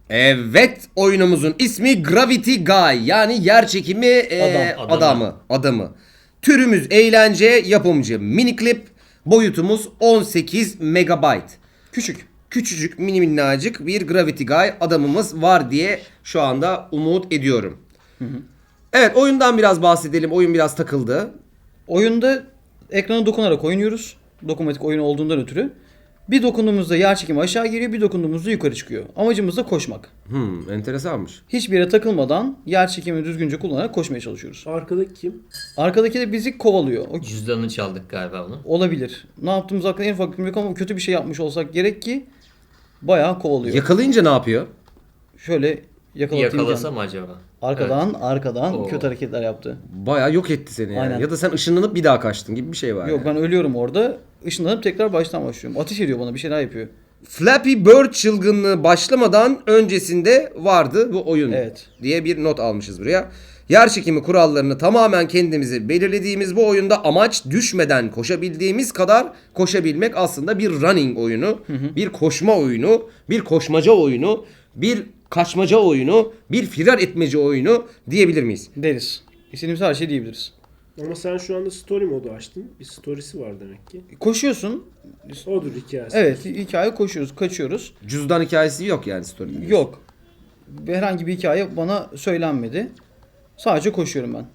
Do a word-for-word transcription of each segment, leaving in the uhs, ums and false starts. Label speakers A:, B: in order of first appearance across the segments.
A: Evet, oyunumuzun ismi Gravity Guy, yani yer çekimi e,
B: Adam,
A: adamı, adamı. Türümüz eğlence, yapımcı Miniclip, boyutumuz on sekiz megabayt.
B: Küçük.
A: Küçücük, mini minnacık bir Gravity Guy adamımız var diye şu anda umut ediyorum. Hı hı. Evet, oyundan biraz bahsedelim. Oyun biraz takıldı.
B: Oyunda ekrana dokunarak oynuyoruz. Dokunmatik oyun olduğundan ötürü. Bir dokunduğumuzda yer çekimi aşağı geliyor, bir dokunduğumuzda yukarı çıkıyor. Amacımız da koşmak.
A: Hmm, enteresanmış.
B: Hiçbir yere takılmadan yer çekimini düzgünce kullanarak koşmaya çalışıyoruz.
C: Arkadaki kim?
B: Arkadaki de bizi kovalıyor. O
D: Cüzdanını çaldık galiba onu.
B: olabilir. Ne yaptığımız hakkında en ufak fikrim yok ama kötü bir şey yapmış olsak gerek ki bayağı kovalıyor.
A: Yakalayınca ne yapıyor?
B: Şöyle yakalatayım.
D: Yakalasa
B: canım.
D: mı acaba?
B: Arkadan arkadan
D: Oo.
B: kötü hareketler yaptı.
A: Bayağı yok etti seni yani.
B: Aynen.
A: Ya da sen ışınlanıp bir daha kaçtın gibi bir şey var.
B: Yok
A: yani.
B: ben ölüyorum orada. Işınlanıp tekrar baştan başlıyorum. Ateş ediyor bana, bir şeyler yapıyor.
A: Flappy Bird çılgınlığı başlamadan öncesinde vardı bu oyun
B: Evet.
A: diye bir not almışız buraya. Yer çekimi kurallarını tamamen kendimizi belirlediğimiz bu oyunda amaç düşmeden koşabildiğimiz kadar koşabilmek, aslında bir running oyunu, hı hı. bir koşma oyunu, bir koşmaca oyunu, bir kaçmaca oyunu, bir firar etmece oyunu diyebilir miyiz?
B: Deriz. İstediğimiz her şey diyebiliriz.
C: Ama sen şu anda story modu açtın. Bir storiesi var demek ki.
B: Koşuyorsun.
C: Odur hikayesi.
B: Evet, hikaye koşuyoruz, kaçıyoruz.
A: Cüzdan hikayesi yok yani story'de.
B: Yok. Herhangi bir hikaye bana söylenmedi. Sadece koşuyorum ben.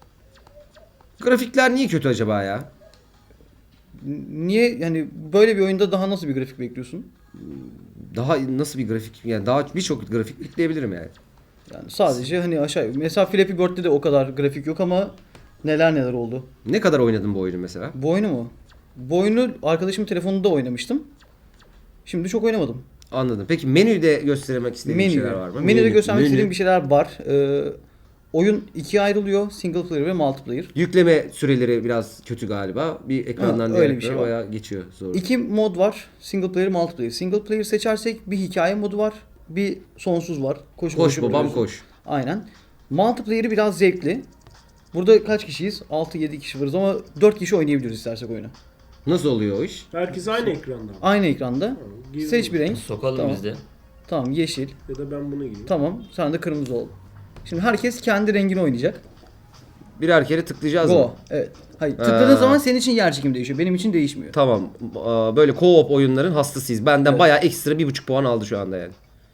A: Grafikler niye kötü acaba ya?
B: Niye yani böyle bir oyunda daha nasıl bir grafik bekliyorsun?
A: Daha nasıl bir grafik? Yani daha birçok grafik ekleyebilirim yani.
B: Yani sadece hani aşağı. Mesela Flappy Bird'de de o kadar grafik yok ama neler neler oldu.
A: Ne kadar oynadın bu oyunu mesela?
B: Bu oyunu mu? Bu oyunu arkadaşımın telefonunda oynamıştım. Şimdi çok oynamadım.
A: Anladım. Peki menüde göstermek istediğin bir şeyler var mı?
B: Menüde
A: Menü,
B: göstermek
A: menü.
B: istediğim bir şeyler var. Ee, oyun ikiye ayrılıyor. Single player ve multiplayer.
A: Yükleme süreleri biraz kötü galiba. Bir ekrandan
B: Ha,
A: diğer
B: öyle bir şey
A: ekrana
B: var.
A: bayağı geçiyor zor.
B: İki mod var. Single player, multiplayer. Single player seçersek bir hikaye modu var. Bir sonsuz var. Koş,
A: Koş babam koş.
B: Aynen. Multiplayer'ı biraz zevkli. Burada kaç kişiyiz? altı yedi kişi varız ama dört kişi oynayabiliriz istersek oyunu.
A: Nasıl oluyor o iş?
C: Herkes aynı ekranda.
B: Aynı ekranda.
C: Tamam, girdim.
B: Seç bir renk.
D: Sokalım
B: Tamam.
D: biz de.
B: Tamam, yeşil.
C: Ya da ben bunu giyeyim.
B: Tamam. Sen de kırmızı ol. Şimdi herkes kendi rengini oynayacak.
A: Birer kere tıklayacağız
B: Go.
A: mı?
B: Evet. Hayır. Tıkladığın
A: Ha.
B: zaman senin için yer çekimi değişiyor. Benim için değişmiyor.
A: Tamam. Aa, böyle co-op oyunların hastasıyız. Benden
B: Evet.
A: bayağı ekstra bir buçuk puan aldı şu anda yani.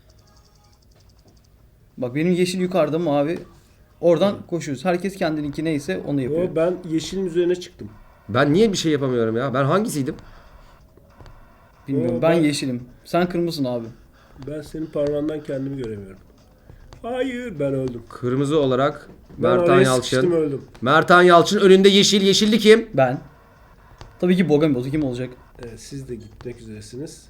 B: Bak benim yeşil yukarıda, mavi. Oradan koşuyoruz. Herkes kendininki neyse onu yapıyor.
C: O ben yeşilin üzerine çıktım.
A: Ben niye bir şey yapamıyorum ya? Ben hangisiydim?
B: Bilmiyorum.
C: O,
B: Ben
C: ben-
B: yeşilim. Sen kırmızısın abi.
C: Ben senin parmağından kendimi göremiyorum. Hayır, ben öldüm.
A: Kırmızı olarak
C: Ben
A: Mertan
C: oraya sıkıştım,
A: Yalçın.
C: öldüm.
A: Mertan Yalçın önünde yeşil. Yeşilli kim?
B: Ben. Tabii ki Bogamibozu kim olacak?
C: Evet, siz de gitmek üzeresiniz.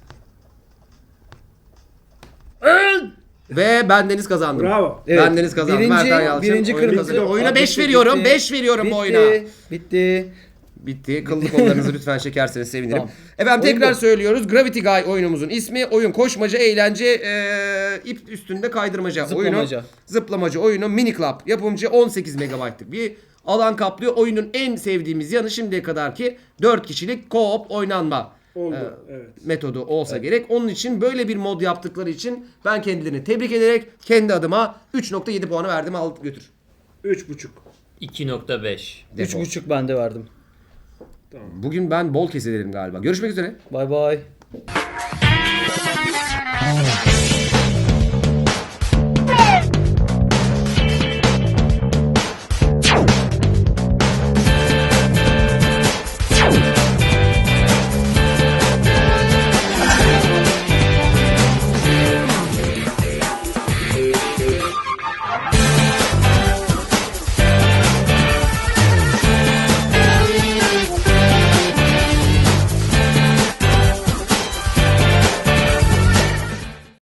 A: Ve bendeniz kazandım.
C: Bravo.
A: Bendeniz kazandı.
B: Birinci,
A: Mertan Yalçın
B: birinci
A: oyunu
B: kırmızı.
A: kazanıyor. Oyuna
B: Aa,
A: beş
B: bitti,
A: veriyorum.
B: bitti.
A: beş veriyorum bu
B: Bitti,
A: oyuna.
B: Bitti.
A: Bitti. Kıllı kollarınızı lütfen çekerseniz sevinirim.
B: Tamam.
A: Efendim
B: Oyun
A: tekrar
B: bu.
A: söylüyoruz. Gravity Guy oyunumuzun ismi. Oyun koşmaca, eğlence, ee, ip üstünde kaydırmaca
B: Zıplamaca.
A: oyunu. Zıplamaca oyunu. Mini Club. Yapımcı on sekiz megabaytlık bir alan kaplıyor. Oyunun en sevdiğimiz yanı şimdiye kadarki dört kişilik co-op oynanma
C: Oldu.
A: Ee,
C: evet.
A: metodu olsa gerek. Onun için böyle bir mod yaptıkları için ben kendilerini tebrik ederek kendi adıma üç nokta yedi puanı verdim. Al götür.
C: Üç buçuk.
D: iki nokta beş.
B: Üç
A: Defol.
B: buçuk ben de verdim.
C: Tamam.
A: Bugün ben bol keselerim galiba. Görüşmek üzere.
B: Bay bay.